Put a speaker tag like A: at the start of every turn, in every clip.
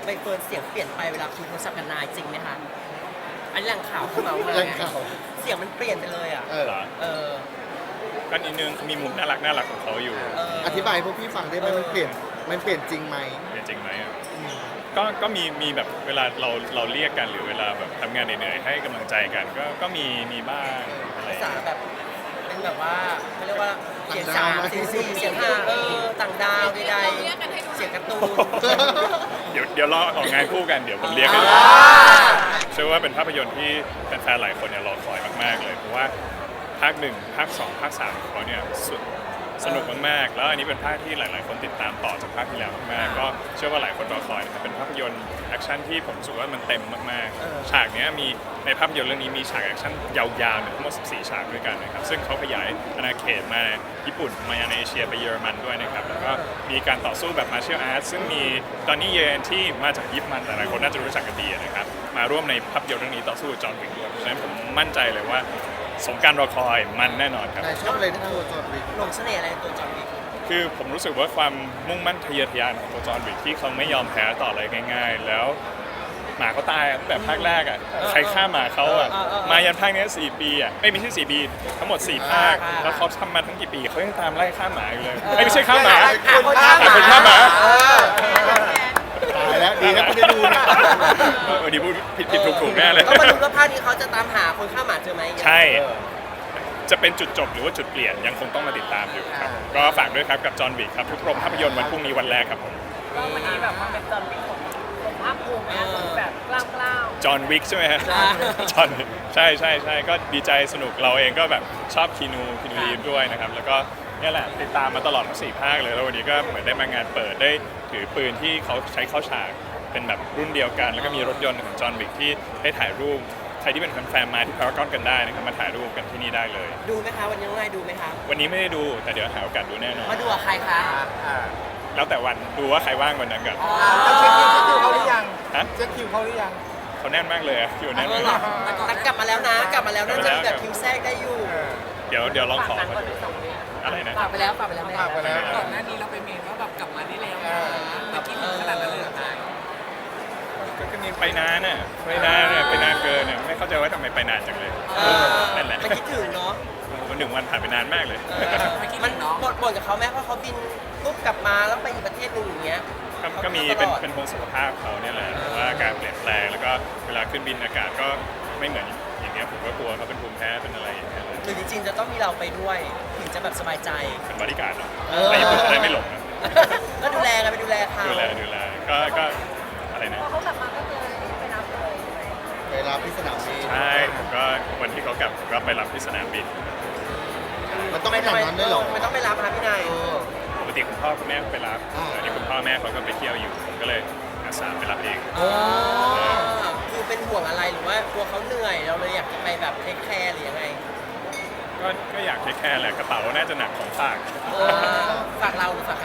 A: ใบเฟิร์นเสียงเปลี่ยนไปเวลาคุยโทรศัพท์กับนายจริงไหมคะอันนี้แหล่งข่าวเข้ามาว่า
B: แหล่งข่าว
A: เสียงมันเปลี่ยนไปเลยอ่ะ
B: เออ
C: เหรอ
A: เออ
C: ก็นิดนึงเขามีมุมน่ารักของเขาอยู่
B: อธิบายให้พวกพี่ฟังได้ไหมมันเปลี่ยนจริงไหม
C: เป็นจริงไหมอะก็มีแบบเวลาเราเรียกกันหรือเวลาแบบทำงานเหนื่อยๆให้กำลังใจกันก็มีบ้างอะไร
A: ภาษาแบบเป็นแบบว่าเขาเรียกว่าเสียงสามเสียงสี่เสียงห้าต่างดาวใดๆเสียงการ์ตูน
C: เดี๋ยวรอออกงานคู่กันเดี๋ยวผมเรียกกันเชื่อว่าเป็นภาพยนตร์ที่แฟนๆหลายคนเนี่ยรอคอยมากๆเลยเพราะว่าภาค1ภาค2ภาค3ของเขาเนี่ยสนุกมากๆแล้วอันนี้เป็นภาคที่หลายๆคนติดตามต่อจากภาคที่แล้วมากๆก็เชื่อว่าหลายคนรอคอยนะครับเป็นภาพยนตร์แอคชั่นที่ผมรู้สึกว่ามันเต็มมากๆฉากเนี้ยมีในภาพยนตร์เรื่องนี้มีฉากแอคชั่นยาวๆทั้งหมด14ฉากด้วยกันนะครับซึ่งเขาขยายอาณาเขตมาญี่ปุ่นมาในเอเชียไปเยอรมันด้วยนะครับแล้วก็มีการต่อสู้แบบมาร์เชียลอาร์ตซึ่งมีตอนนี้เยนที่มาจากญี่ปุ่นแต่หลายคนน่าจะรู้จักกันดีนะครับมาร่วมในภาพยนตร์เรื่องนี้ต่อสู้กับจอห์นวิกด้วยเพราะฉะนั้นผมมั่นใจเลยว่าสมการรอคอยมันแน่นอนครับ
B: นายชอบอะไรในตัวจอห์นวิก
A: หลงเสน่ห์อะไรในตัวจอห์นวิก
C: คือผมรู้สึกว่าความมุ่งมั่นทะเยอทะยานของตัวจอห์นวิกที่เขาไม่ยอมแพ้ต่ออะไรง่าย ๆ แล้วหมาเขาตายตั้งแต่ภาคแรกอ่ะใครฆ่าหมาเขาอ่ะมายันภาคนี้4 ปีอ่ะไม่ใช่4 ปีทั้งหมด4 ภาคแล้วเขาทำมาทั้งกี่ปีเขายังตามไล่ฆ่าหมาอยู่เลยไม่ใช่ฆ่าหมา
A: คนฆ่าหมา
C: คนฆ่าหมา
B: ตายแล้วดีนะคุณได้ดูเนี่ย
C: ดีพูดผิดถูกแน่เลย
A: ก็มาดูว่าภาคนี้เขาจะตามหาคนฆ่าหมาเจอไหม
C: ใช่จะเป็นจุดจบหรือว่าจุดเปลี่ยนยังคงต้องมาติดตามอยู่ครับก็ฝากด้วยครับกับจอห์นวิกครับทุกโรงภาพยนตร์วันพรุ่งนี้วันแรกครับผม
D: ก็วันนี้แบบว่าเป็นจอห์นวิกของภาคภูมินะแบบกล้าว
C: จอห์นวิกใช่ไหมฮะจอห์นใช่ก็ดีใจสนุกเราเองก็แบบชอบคีนูรีฟด้วยนะครับแล้วก็เนี่ยแหละติดตามมาตลอดทั้ง4 ภาคเลยแล้ววันนี้ก็เหมือนได้มางานเปิดได้ถือปืนที่เขาใช้เข้าฉากเป็นแบบรุ่นเดียวกัน แล้วก็มีรถยนต์ของจอห์นวิกที่ได้ถ่ายรูปใครที่เป็นแฟนๆมาที่พารากอนกันได้นะครับมาถ่ายรูปกันที่นี่ได้เลย
A: ดูไหมคะวันนี้น้องนายดูไหมคะ
C: วันนี้ไม่ได้ดูแต่เดี๋ยวหาโอกาสดูแน่นอน
A: มาดูกับใครคะ
C: แล้วแต่วันดูว่าใครว่างวันนั้นกัน
E: เราเช็คคิวเขาหรือยัง
C: ฮะ
E: เช็คคิวเขาหรือยัง
C: เขาแน่นมากเลยอะคิวแน่น
A: เออ
C: มาก
A: เหรอแต่กลับมาแล้วนะกลับมาแล้วน่าจะมีแบบคิวแทรกได้อยู่
C: เดี๋ยวลอง
D: ๆ
C: ขอ
D: ฝากหนัง
C: มา
D: ก่อน
C: ดู
D: ไป2 เดือน
C: อะไรนะ
A: ฝากไปแล้วฝากไปแล้วแม่
E: ฝากไปแล้ว
D: ก่อนหน้านี้เราไปเมนว่าแบบกลับมาได้แล้วเมื่อกี้ถึงขนาดนั้นเลยเหรอคะ
C: ก็มีไปนานน่ะไปนานเกินน่ะไม่เข้าใจว่าทำไมไปนานจังเลยนั่นแหละ
A: มันคิดถึงเนาะ
C: วัน1 วันผ่านไปนานมากเลย
A: มันบ่นกับเขาแม่เพราะเขาบินปุ๊บกลับมาแล้วไปอีกประเทศหนึ่งอย่างเงี้ย
C: ก็มีเป็นห่วงสุขภาพเขาเนี่ยแหละว่าการเปลี่ยนแปลงแล้วก็เวลาขึ้นบินอากาศก็ไม่เหมือนอย่างเงี้ยผมก็กลัวเขาเป็นภูมิแพ้เป็นอะไรอย่างเงี้ย
A: หรือจริงๆจะต้องมีเราไปด้วยถึงจะแบบสบายใจ
C: เป็นบริการดเนาะไปญี่ปุ่นจะได้ไม่หลงนะ
A: ก็ดูแลกันไปดูแลเขา
C: ดูแลก็อะไรนะ
D: พอเขากลับมาก็เลยไปรับเลยใช่ไหม
B: ไปรับที่สนามบิน
C: ใช่ผมก็วันที่เขากลับผมก็ไปรับที่สนามบิน
B: มันต้องขนาดนั้นด้วยเหรอ
A: ไม่ต้องไปรับค่ะพี่นาย
C: ปกติคุณพ่อคุณแม่ไปรับ
B: อ่า
C: แต่นี่คุณพ่อแม่เขาก็ไปเที่ยวอยู่ผมก็เลยอาสาไปรับเอง
A: อ๋อคือเป็นห่วงอะไรหรือว่ากลัวเขาเหนื่อยเราเลยอยากจะไปแบบเทคแคร์หรือยังไง
C: ก็อยากแค่แหละกระเป๋าน่าจะหนักของฝาก
A: ฝากเราหรือฝากใคร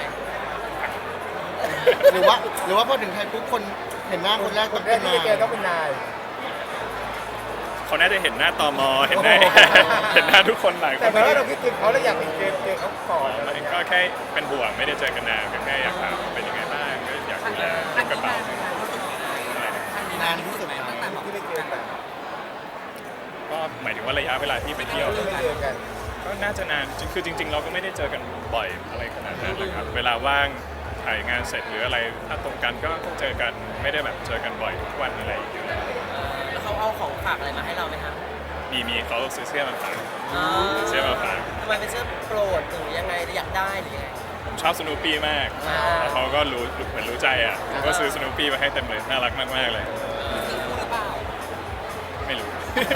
B: หรือว่าพอถึงไทยปุ๊บคนเห็นหน้าคนแรก
E: ค
B: ต้อง
E: นแร
B: เป็
E: ก
B: น
E: ที่
B: นาย
E: จะเจอต้องเป็นนาย
C: เขาน่าจะเห็นหน้าตมเห็นหน้า เห็นหน้าทุกคนหลายค
E: แต่
C: น
E: เหมือนว่าเราคิดถึงเขาแล้วอยากไปเจอเขาก่อนอะไรอย่างเงี้ย
C: ก็แค่เป็นห่วงไม่ได้เจอกันนานก็แค่อยากถามเป็นยังไงบ้างก็อยากดูแลเก็บกระเป๋าอะไรนะ
B: นานที่สุดนะ
E: ที่ได้เจอกัน
C: ก็หมายถึงว่าระยะเวลาที่ไปเที่ยว
E: ที่ได้เจอกัน
C: ก็น่าจะนานคือจริง ๆ เราก็ไม่ได้เจอกันบ่อยอะไรขนาดนั้นนะครับเวลาว่างถ่ายงานเสร็จหรืออะไรถ้าตรงกันก็เจอกันไม่ได้แบบเจอกันบ่อยทุกวันอะไรอย่างเงี้ย
A: แล้วเขาเอาของฝากอะไรมาให้เราไหมคะ
C: มีเขาซื้อเสื้อมาฝากเสื้อมาฝาก
A: ทำไมเป็นเสื้อโปรดหรือยังไงอยากได้หรือยังไง
C: ผมชอบสโนว์ปี้มากแล้วเขาก็รู้เหมือนรู้ใจอ่ะผมก็ซื้อสโนว์ปี้มาให้เต็มเลยน่ารักมากๆเลย ไม่รู้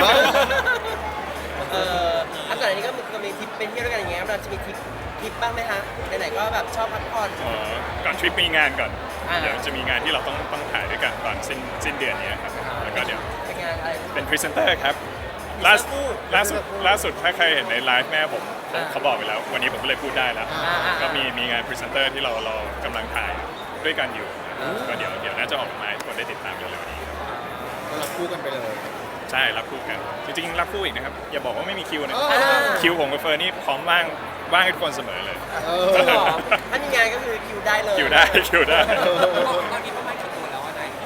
A: อันก่อนอันนี้ก็มีทริปเป็นเที่ยวด้วยกันอย่างเงี้ยเราจะมีทริปบ้างไหมคะไหนๆก็แบบชอบพักผ่อน
C: ก่อนทริปมีงานก่อน
A: อ่า
C: เดี๋ยวจะมีงานที่เราต้องถ่ายด้วยกันตอนสิ้นเดือนนี้ครับแล้วก็เดี๋ยว
A: เป็นงานอะไร
C: เป็นพรีเซนเตอร์ครับล่าสุดถ้าใครเห็นในไลฟ์แม่ผมเขาบอกไปแล้ว วันนี้ผมก็เลยพูดได้แล้ว ก็มีงานพรีเซนเตอร์ที่เรากำลังถ่ายด้วยกันอยู่ก็เดี๋ยวน่าจะออกมาให้ทุกคนได้ติดตามเร็วๆนี้ครับ
B: ก็รับคู่กันไปเลย
C: ใช่รับคู่กันจริงๆรับคู่อีกนะครับอย่าบอกว่าไม่มีคิวนะ
B: เออ
C: คิวผมกับเฟิร์นนี่พร้อมว่างให้ทุกคนเสมอเลย
B: เอ
A: จริงเหร
B: อ
A: อถ้ามีงานก็คือคิวได้เลย
C: คิวได้
D: ตอนนี้ประมาณกี่ตัวแล้วอะนาย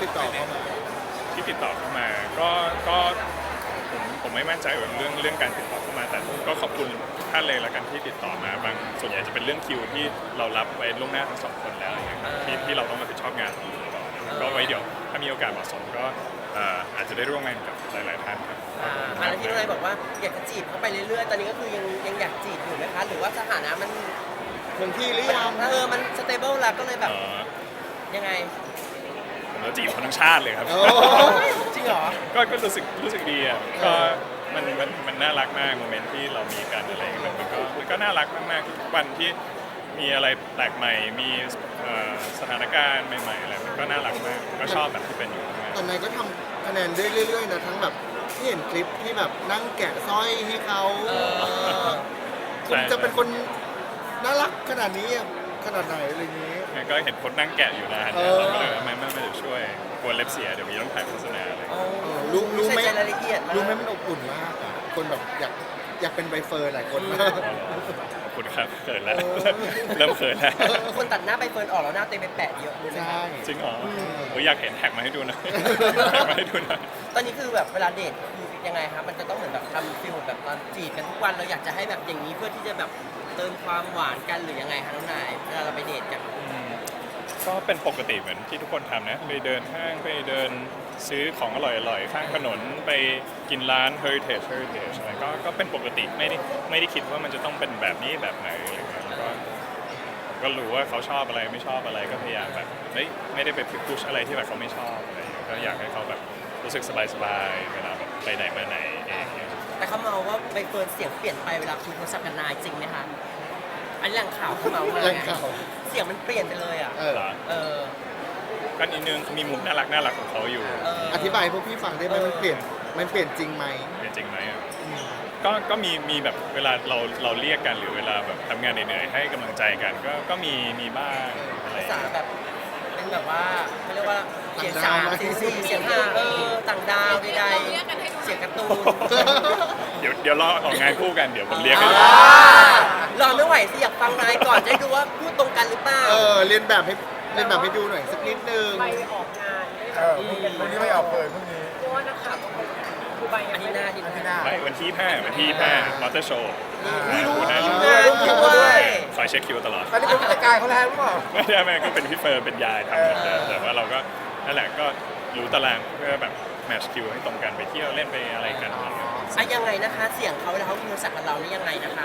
B: ดต่อเข้ามา
C: ที่ติดต่อเข้ามาก็ผมไม่มั่นใจเรื่องการติดต่อเข้ามาแต่ก็ขอบคุณทุกท่านเลยละกันที่ติดต่อมาบางส่วนใหญ่จะเป็นเรื่องคิวที่เรารับไว้ล่วงหน้าทั้งสองคนแล้วอย่างเงี้ยครับที่เราต้องรับผิดชอบงานตรงนี้ต่อก็ไว้เดี๋ยวถ้ามีโอกาสเหมาะสมก็อาจจะได้ร่วมงานกับหลายๆท่านครับ
A: แล้วที่น้องนายบอกว่าอยากจะจีบเขาไปเรื่อยๆตอนนี้ก็คือยังอยากจีบอยู่ไหมคะหรือว่าสถานะมัน
B: คงที่หรือยัง
A: มันสเตเบิลแล้วก็เลยแบบยังไง
C: ผมจะจีบคนทั้งชาติเลยครับ
B: โอ้
A: จริงเหรอ
C: ก็รู้สึกดีอ่ะก็มันน่ารักมากโมเมนต์ที่เรามีกันอะไรอย่างเงี้ยมันก็น่ารักมากๆทุกวันที่มีอะไรแปลกใหม่มีสถานการณ์ใหม่ๆอะไรมันก็น่ารักมากก็ชอบแบบที่เป็นอยู่มาก
B: ตอนนั้นก็ทำคะแนนได้เรื่อยๆนะทั้งแบบที่เห็นคลิปที่แบบนั่งแกะสร้อยให้เขาคุณจะเป็นคนน่ารักขนาดนี้ขนาดไหนอะไรอย่างนี้
C: งั้นก็เห็นคนนั่งแกะอยู่นาน
B: เอ
C: เนี่ย
B: อ
C: เราก็เลยไม่เดี๋ยวช่วยกลัวเล็บเสียเดี๋ยวมีต้องถ่ายโฆษณาอะไร
B: รู้ไหม
A: ใส่ใจรายละเอียดาก
B: รู้ไหมมันอบอุ่นมากอะคนแบบอยากเป็นใบเฟิร์นหลายคนมาก
C: ขอบคุณครับเขินแล้วเริ่มเขินแล้ว
A: คนตัดหน้าไปเฟิร์นออกแล้วหน้าเต็มไปแปะเยอะเลยนะ
B: ใช่
C: จริงเหรออยากเห็นแท็กมาให้ดูหน่อยแท็กมาให้ดูหน่อย
A: ตอนนี้คือแบบเวลาเดทคือยังไงครับมันจะต้องเหมือนแบบทำฟิลแบบตอนจีบกันทุกวันเราอยากจะให้แบบอย่างนี้เพื่อที่จะแบบเติมความหวานกันหรือยังไงคะน้องนายเวลาเราไปเดทกัน
C: ก็เป็นปกติเหมือนที่ทุกคนทำนะไปเดินห้างไปเดินซื้อของอร่อยๆข้างถนนไปกินร้าน heritage อะไรก็เป็นปกติไม่ได้คิดว่ามันจะต้องเป็นแบบนี้แบบไหนอะไรเงี้ยแล้วก็รู้ว่าเขาชอบอะไรไม่ชอบอะไรก็พยายามแบบไม่ได้ไปพุชอะไรที่แบบเขาไม่ชอบอะไรเงี้ยก็อยากให้เขาแบบรู้สึกสบายๆเวลาแบบไปไหนมาไหนเองเนี่ย
A: แต่เขาเมาว่าใบเฟิร์นเสียงเปลี่ยนไปเวลาคุยโทรศัพท์กับนายจริงไหมคะอันนี้แหล่งข่าวเขาเมามา
B: แหล่งข่าว
A: เสียงมันเปลี่ยนไปเลยอ่ะ
B: เออ
C: เหรอ
A: เออ
C: ก็นิดนึงเขามีมุมน่ารักของเขาอยู่
B: อธิบายให้พวกพี่ฟังได้ไหมมันเปลี่ยนจริงไหม
C: เป็นจริงไหมอะก็มีแบบเวลาเราเรียกกันหรือเวลาแบบทำงานเหนื่อยๆให้กำลังใจกันก็มีบ้างอะไร
A: ภาษาแบบเป็นแบบว่าเขาเรียกว่าเสียงสามเสียงสี่เสียงห้าต่างดาวใดๆเสียงการ์ตูน
C: เดี๋ยวรอออกงานคู่กันเดี๋ยวผมเรียกกัน
A: รอไม่ไหวสิอยากฟังนายก่อนจะได้ดูว่าพูดตรงกันหรือเปล่า
B: เรียนแบบให้ดูหน่อยสักนิดนึง
D: ไปออกงานด้วย
E: พรุ่งนี้ไม่ออกเลยพรุ่งนี้
D: เพราะว่านักข่าวต้องคือใบ
A: อันนี้หน้าที่
E: ที่หน้า
C: ไม่วันที่5มอเตอร์โชว์
A: รู้
C: นะ
A: งานด้วย
C: คอยเช็คคิวตลอด
E: อันนี้เป็นผู้จัดการเขาแล้วหรือเปล่า
C: ไม่ก็เป็นพี่เฟิร์นเป็นยายทำเหมือนเดิมแต่ว่าเราก็นั่นแหละก็รู้ตารางเพื่อแบบแมทช์คิวให้ตรงกันไปเที่ยวเล่นไปอะไรกันอะไรเงี้ย
A: ยังไงนะคะ เสียงเขาเวลาเขาคุยโทรศัพท์กับเรานี่ยังไงนะคะ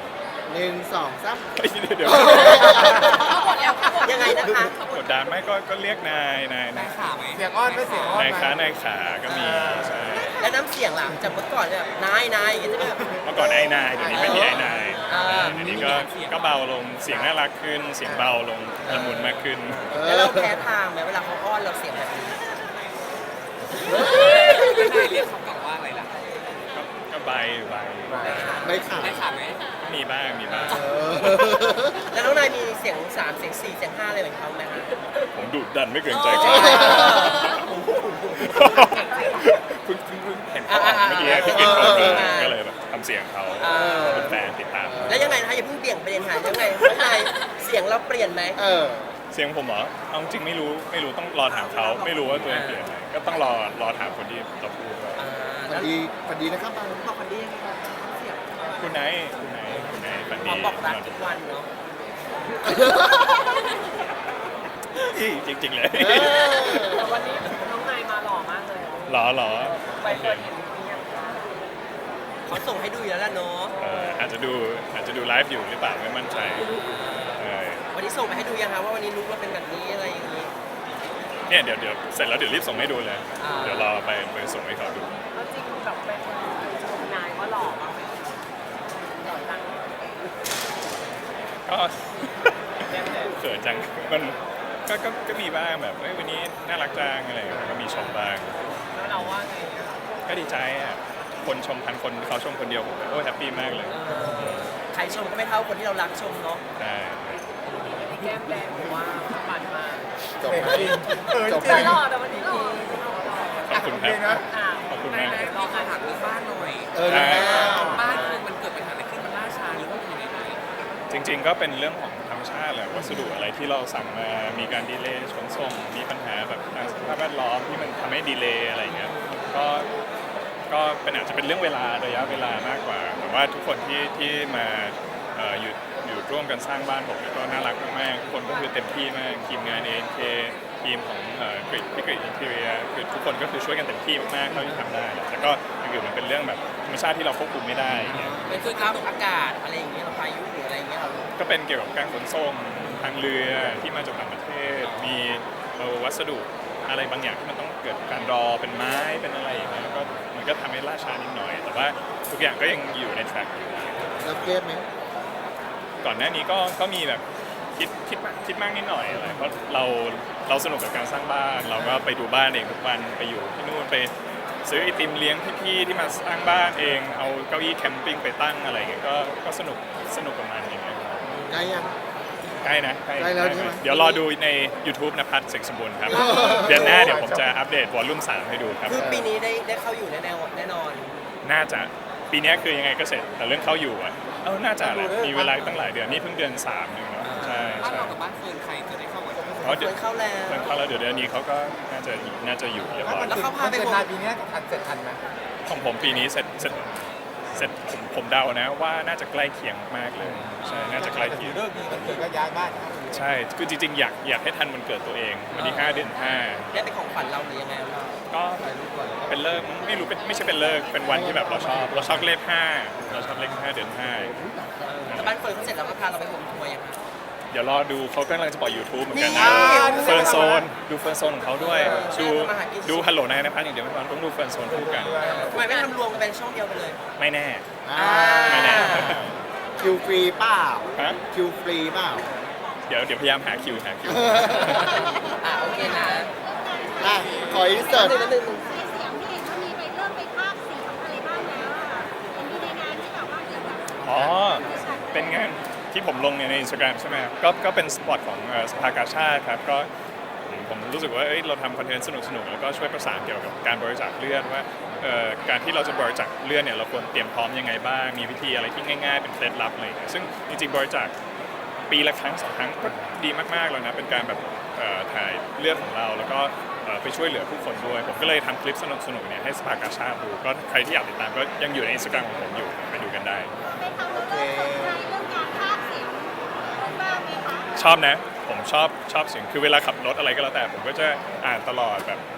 B: 1 2 3
C: เฮ้ยเดี๋ยว
A: ยังไงนะคะ
C: กดดันไหมก็เรียกนาย
E: เสียงอ้อนไม่เสียงอ้อน
C: นาย
E: ไหม
C: ค้านายขาก็มีใช่
A: แล้วน้ำเสียงล่ะจากเมื่อก่อนเนี่ยนายอย่างเงี้ยจะแบบ
C: เมื่อก่อนไอ้นายเดี๋ยวนี้เป็นที่ไอ้นาย
A: อ่า
C: เดี๋ยวนี้ก็เบาลงเสียงน่ารักขึ้นเสียงเบาลงละมุนมากขึ้น
A: แล้วเราแพ้ทางไหมเวลาเขาอ้อนเราเสียงแบบนี้
C: ก็ใบ
B: ไม่ขาด
C: มีบ้าง
A: แล้วน้องนายมีเสียง3เสียง4เสียง5อะไรเหมือนเขาไหมคะ
C: ผมดุดันไม่เกรงใจใครเพิ่งเห็นเขาเมื่อกี้ที่กินของก็เลยแบบทำเสียงเขาเป็นแฟนติดตาม
A: แล้วยังไงนะคะอย่าเพิ่งเปลี่ยนประเด็นหายังไงน้องนายเสียงเราเปลี่ยนไหม
C: เสียงผมเหรอเอาจริงไม่รู้ต้องรอถามเขาไม่รู้ว่าตัวเองเปลี่ยนไหมก็ต้องรอถามคนที่เราพูดว่า
B: พอดีนะครับบาง
A: บอกคนดียังไงเสียง
C: คุณไหนฝัน
A: พ
C: ดี
A: ร้อมบอกรักทุกวันเนาะ
C: จริงๆเลย
D: แต่วันนี้น้องนายมาหล่อมากเลย
C: หรอ
D: ใบเฟิร์นเห็นหรือยังคะ
A: เขาส่งให้ดูอยู่แล้วล่ะเนาะ
C: อาจจะดูไลฟ์อยู่หรือเปล่าไม่มั่นใจ
A: วันนี้ส่งไปให้ดูยังคะว่าวันนี้ลุกเราเป็นแบบนี้อะไรอย่างนี้
C: เนี่ยเดี๋ยวเสร็จแล้วเดี๋ยวรีบส่งให้ดูเลย
A: อ่า
C: เดี๋ยวรอไปส่งให้เขาดู
D: แล้วจริงแบบใบเฟิร์นชมนายว่าหล่อมากไหมหล่อจัง
C: ก็ เขินจังมันก็มีบ้างแบบวันนี้น่ารักจังอะไรอย่างเงี้ยก็มีชมบ้าง
D: แล้วเราว่าไงอะ
C: ก็ดีใจอ่ะคนชม1,000 คนเขาชมคนเดียวผมก็แฮปปี้มากเลย
A: ใครชมก็ไม่เท่าคนที่เรารักชมเนาะ
C: ใช่
D: แก้มแดงผมว่าปันมาก
B: จบ
E: จริงจริง
D: แต่หล่อแต่วันนี้หล่อ
C: ขอบคุณครับ
E: นะ
D: อ่ะ
C: ขอบคุณมาก
D: รอการถามเรื่องบ้านหน่อย
B: แล้ว
F: บ้านคือมันเกิดปัญหาอะไรขึ้นมันล่าช้าหรือว่ามันยังไง
C: จริงๆก็เป็นเรื่องของธรรมชาติแหละวัสดุอะไรที่เราสั่งมามีการดีเลย์ขนส่งมีปัญหาแบบสภาพแวดล้อมที่มันทำให้ดีเลย์อะไรเงี้ยก็เป็นอาจจะเป็นเรื่องเวลาระยะเวลามากกว่าแต่ว่าทุกคนที่มาอยู่ร่วมกันสร้างบ้านผมเนี่ยก็น่ารักมากๆทุกคนก็คือเต็มที่มากทีมงาน ANK ทีมของกริดพี่กริดอินเทอร์เนียคือทุกคนก็คือช่วยกันเต็มที่มากๆเท่าที่ทำได้แหละแต่ก็อย่างอื่นมันเป็นเรื่องแบบธรรมชาติที่เราควบคุมไม่ได้อย่างเงี้ย
A: เป็นคือข้าวอากาศอะไรอย่างเงี้ยเราพายุหรืออะไรอย่างเงี้ยเรา
C: ก็เป็นเกี่ยวกับการขนส่งทางเรือที่มาจากต่างประเทศ มีวัสดุอะไรบางอย่างที่มันต้องเกิดการรอเป็นไม้เป็นอะไรอย่างเงี้ยก็มันก็ทำให้ล่าช้านิดหน่อย แต่ว่าทุกอย่างก็ยังอยู่ในแทร็กอยู่
B: แล้วเครียดไหม
C: ก่อนหน้านี้ก็มีแบบคิดมากนิดหน่อยอะไรเพราะเราสนุกกับการสร้างบ้านเราก็ไปดูบ้านเองทุกวันไปอยู่ที่นู่นไปซื้อไอติมเลี้ยงพี่ๆที่มาสร้างบ้านเองเอาเก้าอี้แคมปิ้งไปตั้งอะไรอย่างเงี้ยก็สนุกกับมันอย่างเงี้ย
B: ใกล้ยัง
C: ใกล้นะ
B: ใกล้แล้วใช่ไหม
C: เดี๋ยวรอดูใน YouTube นภัสเสกสมบูรณ์ครับ เดือนหน้าเดี๋ยวผมจะอัปเดตวอลลุ่ม3ให้ดูครับ
A: คือปีนี้ได้เข้าอยู่แน่นอน
C: น่าจะปีนี้คือยังไงก็เสร็จแต่เรื่องเข้าอยู่อ่ะน่าจะแหละมีเวลาตั้งหลายเดือนนี่เพิ่งเดือน3นึงเนาะใช่
D: บ้าน
C: ใช่
D: เรากับบ้านเฟิร์นใครจะได้เข้ากัน
C: เพราะ
A: เค
C: เดี๋ยวย
A: เข้าแล้ว
C: เพิ่งเข้าแล้วเดี๋ยวเดือนนี้เขาก็น่าจะอยู่เรียบร้อย
A: แล้วเขาพาไป
E: เกิดนานปีนี้เสร็จทันไหม
C: ของผมปีนี้เสร็จผมเดานะว่าน่าจะใกล้เคียงมากเลยใช่น่าจะใกล้เคียง
E: เลิกดีมันเกิดก็ย้ายบ้าน
C: ใช่คือจริงๆอยากให้ทันวันเกิดตัวเองวันที่5 เดือน 5
A: ได้เป็นของขวัญเราหรือยังไงเรา
C: ก็เป็นเลิกไม่รู้ไม่ใช่เป็นเลิกเป็นวันที่แบบเราชอบเลข5เราชอบเลข5 เดือน
A: แต่บ้านเฟิร์นเขาเสร็จแล้วก็พาเราไปโฮมทัวร์ยังไง
C: 5 เดี๋ยวรอดูเขากำลังจะปล่อย YouTube เหมือนกัน
A: นี่
C: นะเฟิร์นโซนดูเฟิร์นโซนของเขาด้วยดู
A: ทำอาหารกิน
C: ดูฮัลโหลนายนภัสอย่างเดียวไม่พอต้องดูเฟิร์นโซนคู่กัน
A: ทำไมไม่ทำรวมกันเป็นช่องเดียวไปเลย
C: ไม่แน่
B: อ่า
C: ไม่แน่
B: คิวฟรีเปล่า
C: ฮะ
B: คิวฟรีเปล่า
C: เดี๋ยวพยายามหาคิว
A: โอเคนะ
B: อ่ะขออินเสิร์ต
F: ในเสียงที่เห็นว่ามีไปเริ่มไปภาคเสียงอะไรบ้างแล้วอะเห็นมีในงานที่แบบว่าเกี่ยวกับ
C: อ๋อ เป็นงานที่ผมลงใน Instagram ใช่ไหมครับก็เป็นสปอตของสภากาชาติครับก็ผมรู้สึกว่าเราทำคอนเทนต์สนุกๆแล้วก็ช่วยประสานเกี่ยวกับการบริจาคเลือดว่าการที่เราจะบริจาคเลือดเนี่ยเราควรเตรียมพร้อมยังไงบ้างมีวิธีอะไรที่ง่ายๆเป็นเคล็ดลับอะไรอย่างเงี้ยซึ่งจริงๆบริจาคปีละครั้ง2 ครั้งก็ดีมากๆแล้วนะเป็นการแบบถ่ายเลือดของเราแล้วก็ไปช่วยเหลือผู้คนด้วยผมก็เลยทำคลิปสนุกๆเนี่ยให้สภากาชาติดูก็ใครที่อยากติดตามก็ยังอยู่ใน Instagram ของผมอยู่ไปดูกันได้
F: ไปทำแล้วเริ่มสนใจเรื่องการภาคเสียงบ้างไหมคะ
C: ชอบนะผมชอบเสียงคือเวลาขับรถอะไรก็แล้วแต่ผมก็จะอ่านตลอดแบบ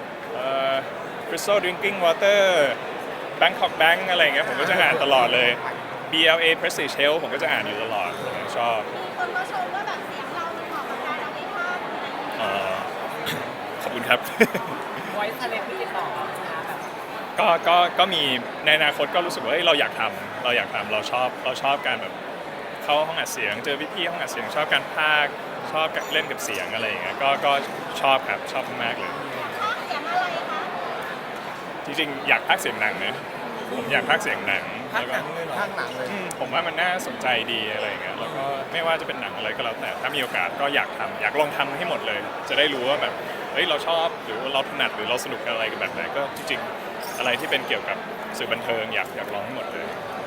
C: Crystal Drinking Water Bangkok Bank อะไรอย่างเงี้ยผมก็จะอ่านตลอดเลย BLA Prestige Health ผมก็จะอ่านอยู่ตลอดชอบ
F: มีคนมาชมว่าแบบเสียงเรามันเหมาะกับการเอาไปภาคอะไรอย่างเงี้ย
C: เอ่อขอบคุณครับ
D: ไว้ทะเลที่ติดต่อนะแบบ
C: ก็มีในอนาคตก็รู้สึกว่าเราอยากทำเราชอบการแบบเข้าห้องอัดเสียงเจอพี่ๆห้องอัดเสียงชอบการพากย์ชอบเล่นกับเสียงอะไรอย่างเงี้ยก็ชอบครับชอบมากๆเลย
F: ภาคเสียงอะไรคะ
C: จริงๆอยากพากย์เสียงหนังนะผมอยากพากย์เสียงหนัง
A: ภาค
C: แล้ว
A: ห
C: ก็
A: นังเลยเหรอ
E: ข้างหนังเลย
C: ผมว่ามันน่าสนใจดีอะไรอย่างเงี้ยแล้วก็ไม่ว่าจะเป็นหนังอะไรก็แล้วแต่ถ้ามีโอกาสก็อยากลองทำให้หมดเลย จะได้รู้ว่าแบบเราชอบหรือว่าเราถนัดหรือเราสนุกกับอะไรกับแบบไหนก็จริงๆอะไรที่เป็นเกี่ยวกับสื่อบันเทิงอยากลองให้หมดเลย
F: ม